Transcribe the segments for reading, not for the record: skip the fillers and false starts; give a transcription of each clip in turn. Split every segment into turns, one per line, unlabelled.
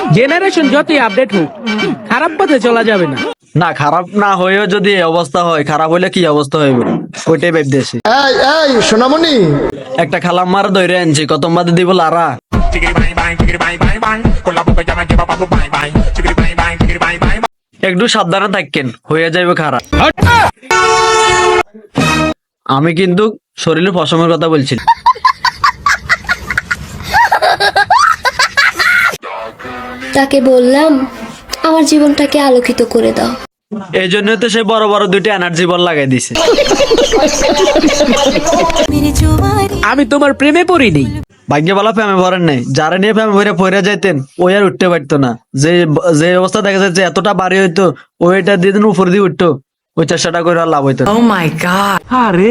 Generation যতই update হোক খারাপ পথে চলা যাবে না।
না খারাপ না হয়েও যদি এই অবস্থা হয়, খারাপ হইলে কি অবস্থা হইবে ওইটাই ভাবতেছি।
এই এই সোনামণি,
একটা খালাম্মার ধরে আনছি, কত বাদে দিব লারা। একটু সাবধানে থাকেন, হয়ে যাবে খারাপ। আমি কিন্তু শরীরের পশমের কথা বলছি।
তাকে বললাম আমার জীবনটাকে আলোকিত করে দাও।
এই জন্য তো সে বড় বড় দুইটা এনার্জি বল লাগাই দিছে।
আমি তোমার প্রেমে পড়িনি।
ভাগ্য বলা প্রেমে ভরেন নাই, যারা নিয়ে প্রেমে ভরে পড়ে যাইতেন ওই আর উঠতে পারতো না। যে যে অবস্থা দেখা যাচ্ছে এতটা বাড়ি হইতো, ওইটা দিয়ে দিন উপর দিয়ে উঠতো, ওই চেষ্টাটা করে আর লাভ হইতো না।
ও মাই গড, আরে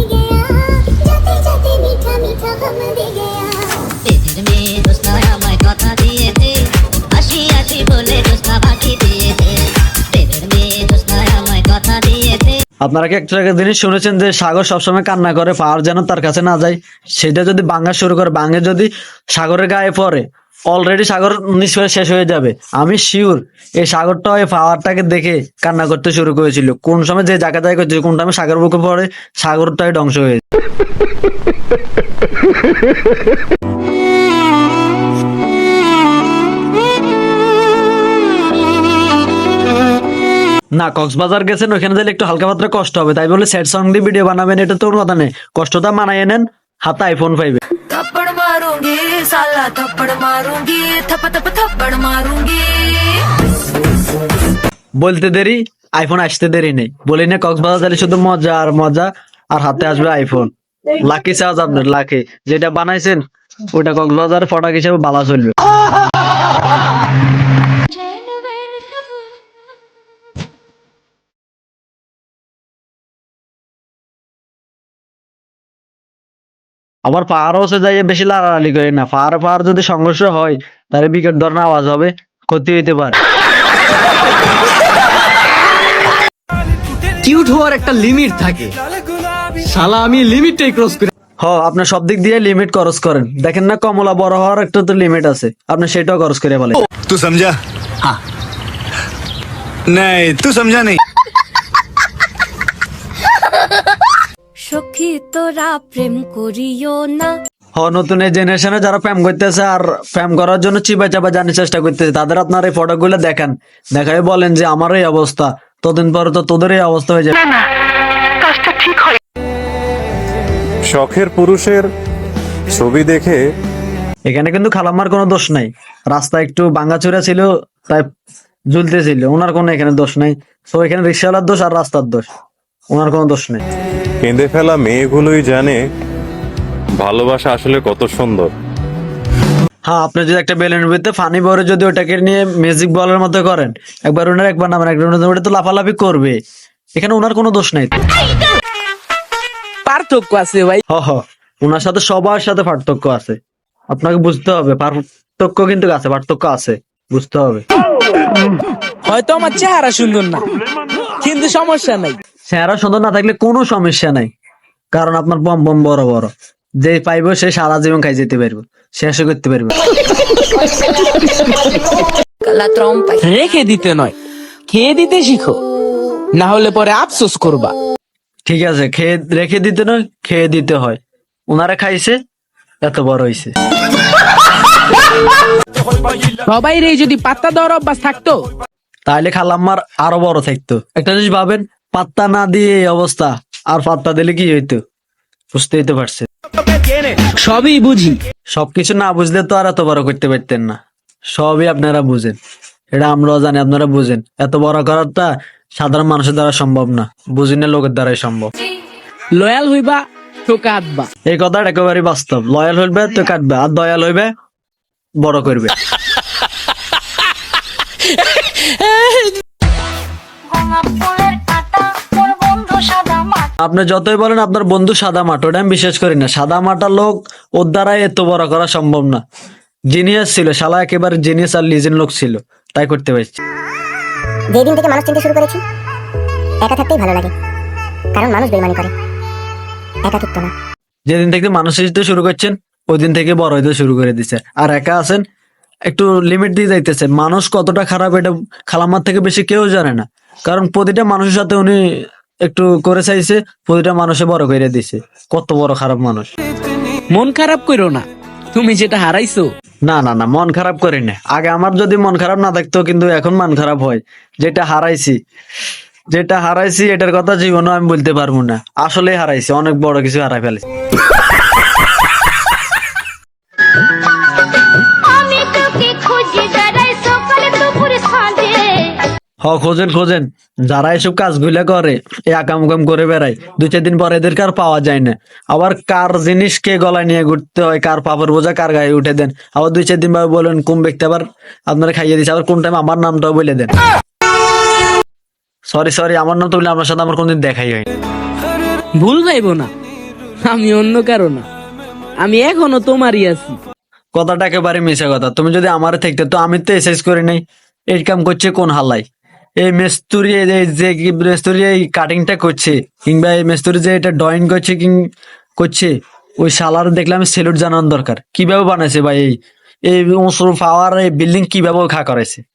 আপনারা কি একটা জিনিস শুনেছেন যে সাগর সবসময় কান্না করে পাওয়ার যেন তার কাছে না যায়? সেটা যদি ভাঙা শুরু করে, ভাঙে যদি সাগরের গায়ে পড়ে, অলরেডি সাগর নিঃশ্বাস শেষ হয়ে যাবে। আমি শিওর এই সাগরটা ওই পাওয়ারটাকে দেখে কান্না করতে শুরু করেছিল। কোন সময় যে জায়গা জায়গা করছে, কোন টাইমে সাগর বুকে পড়ে, সাগরটাই ধ্বংস হয়ে যায়। না কক্সবাজার গেছেন, ওখানে গেলে একটু হালকা পাতলা কষ্ট হবে, তাই বলে স্যাড সং দিয়ে ভিডিও বানাবেন এটা তো কথা নেই। কষ্টটা মানায় নেন, হাতে আইফোন পাইবে।
थप्पड़ मारूंगी साला थप्पड़ मारूंगी थप थप थप्पड़ मारूंगी।
বলতে দেরি, আইফোন আসতে দেরি নেই। বলি না কক্সবাজার গেলে শুধু মজা আর মজা, আর হাতে আসবে আইফোন। লাকি চার্জ আপনার, লাকি যেটা বানাইছেন ওইটা কক্সবাজার ফটাক হিসেবে বালা চলবে। আবার পাহাড় হচ্ছে যাই বেশি লাড়ালাড়ি করে না। পাহাড় যদি সংঘর্ষ হয় তাহলে বিকট ধরনের আওয়াজ হবে, ক্ষতি হইতে পারে।
কিউট হওয়ার একটা লিমিট থাকে, শালা আমি লিমিটটাই ক্রস করে।
আপনার সব দিক দিয়ে লিমিট খরচ করেন। দেখেন না কমলা বড় হওয়ার একটা তো লিমিট আছে, আপনি সেটাও খরচ করে বলেন।
तू समझा? हाँ नहीं तू समझा नहीं।
সখী তোরা প্রেম করিও না।
নতুন এই জেনারেশনে যারা প্রেম করতেছে আর প্রেম করার জন্য চিপা চাপা জানার চেষ্টা করতেছে, তাদের আপনার এই ফটো গুলো দেখান, দেখাই বলেন যে আমার এই অবস্থা, ততদিন পরে তো তোদের এই অবস্থা হয়ে যাবে।
শখের পুরুষের ছবি দেখে
এখানে কিন্তু খালাম্মার কোনো দোষ নাই। রাস্তা একটু ভাঙাচোরা ছিল তাই ঝুলতেছিল, ওনার কোনো এখানে দোষ নাই। তো এখানে রিক্সাওয়ালার দোষ আর রাস্তার দোষ, ওনার কোনো দোষ নেই।
কেঁদে ফেলা মেয়েগুলোই জানে ভালোবাসা আসলে কত সুন্দর।
আপনি যদি একটা বেলুনের ভিতরে ফানি ভরে যদি ওটাকে নিয়ে ম্যাজিক বলের মতো করেন, একবার ওনার একবার নামেন, একবার ওটা তো লাফালাফি করবে। এখানে ওনার কোনো দোষ নাই।
পার্থক্য আছে ভাই।
ওনার সাথে সবার সাথে পার্থক্য আছে, আপনাকে বুঝতে হবে। পার্থক্য কিন্তু আছে, পার্থক্য আছে, বুঝতে হবে।
হয়তো আমার চেহারা সুন্দর না, কিন্তু সমস্যা নাই।
চেহারা সুন্দর না থাকলে কোনো সমস্যা নাই, কারণ আপনার বম বম বড় বড়, যে পাইবো সে সারা জীবন খাই যেতে পারবো, শেষও করতে পারবো।
রেখে দিতে নয়, খেয়ে দিতে শিখো, না হলে পরে আফসোস করবা।
ঠিক আছে, খেয়ে রেখে দিতে নয়, খেয়ে দিতে হয়। ওনারা খাইছে, এত বড় হইছে।
সবাই রে যদি পাত্তা দেওয়ার অভ্যাস থাকতো
তাহলে খালাম্মার আরো বড় থাকতো। একটা জিনিস ভাবেন, পাত্তা না দিয়ে এই অবস্থা, আর পাত্তা দিলে কি হইতো বুঝতেই তো পারছে।
সবই বুঝি,
সবকিছু না বুঝলে তো আর এত বড় করতে পারতেন না। সবই আপনারা বুঝেন, এটা আমরাও জানি, আপনারা বুঝেন। এত বড় করাটা সাধারণ মানুষের দ্বারা সম্ভব না, বুঝি না লোকের দ্বারাই সম্ভব।
লয়াল হইবা তো কাঁদবা,
এই কথাটা একেবারে বাস্তব। লয়াল হইবে তো কাটবে, আর দয়াল হইবে বড় করবে। আপনি যতই বলেন আপনার বন্ধু সাদা মাঠ, ওটা আমি বিশ্বাস করি না। সাদা মাটা লোক ওর দ্বারাই এত বড় করা সম্ভব না। জিনিয়াস ছিল শালা, একেবারে জিনিয়াস আর লিজেন্ড লোক ছিল, তাই করতে পারছি।
যেদিন থেকে মানুষ চিনতে শুরু করেছি, একা থাকতেই ভালো লাগে, কারণ মানুষ বেইমানি করে, একাকিত্ব না।
যেদিন থেকে মানুষ হিসেবে শুরু করছেন ওই দিন থেকে বড় হইতে শুরু করে দিচ্ছে। আর একা আছেন, একটু লিমিট দিয়ে যাইতেছে। মানুষ কতটা খারাপ এটা খালাম্মার থেকে বেশি কেউ জানে না, কারণ প্রতিটা মানুষের সাথে উনি একটু করে চাইছে, প্রতিটা মানুষে বড় করে দিছে। কত বড় খারাপ মানুষ।
মন খারাপ করো না, তুমি যেটা হারাইছো।
না না না, মন খারাপ করি না। আগে আমার যদি মন খারাপ না থাকতো, কিন্তু এখন মন খারাপ হয়। যেটা হারাইছি এটার কথা জীবনে আমি বলতে পারবো না। আসলে হারাইছি, অনেক বড় কিছু হারাই ফেলেছি। খোঁজেন যারা এসব কাজগুলা করে, এই আকাম করে বেড়ায়, 2-4 দিন পরে এদেরকে আর পাওয়া যায় না। আবার কার জিনিস কে গলায় নিয়ে ঘুরতে হয়, কার পাপড় বোঝা কার গায়ে উঠে দেন। আবার 2-4 দিন পরে বলেন কোন ব্যক্তি আবার আপনারা খাইয়ে দিচ্ছে, আবার কোন টাইম আমার নামটাও বলে দেন। সরি, আমার নাম তো বলে আপনার সাথে আমার কোনদিন দেখাই হয়।
ভুল ভাইবো না, আমি অন্য কারো না, আমি এখনো তোমারই আছি।
কথাটা একেবারে মিশা কথা। তুমি যদি আমার থাকতে, তো আমি তো এক্সারসাইজ করি নাই। এই কাম করছে কোন হালাই? এই মেস্তুরি এই কাটিংটা করছে, কিংবা এই মেস্তুরি যে এটা ড্রয়িং করছে, ওই শালার দেখলে আমি সেলুট জানানো দরকার। কিভাবে বানাইছে ভাই এই পাওয়ার এই বিল্ডিং কিভাবে খা করাইছে?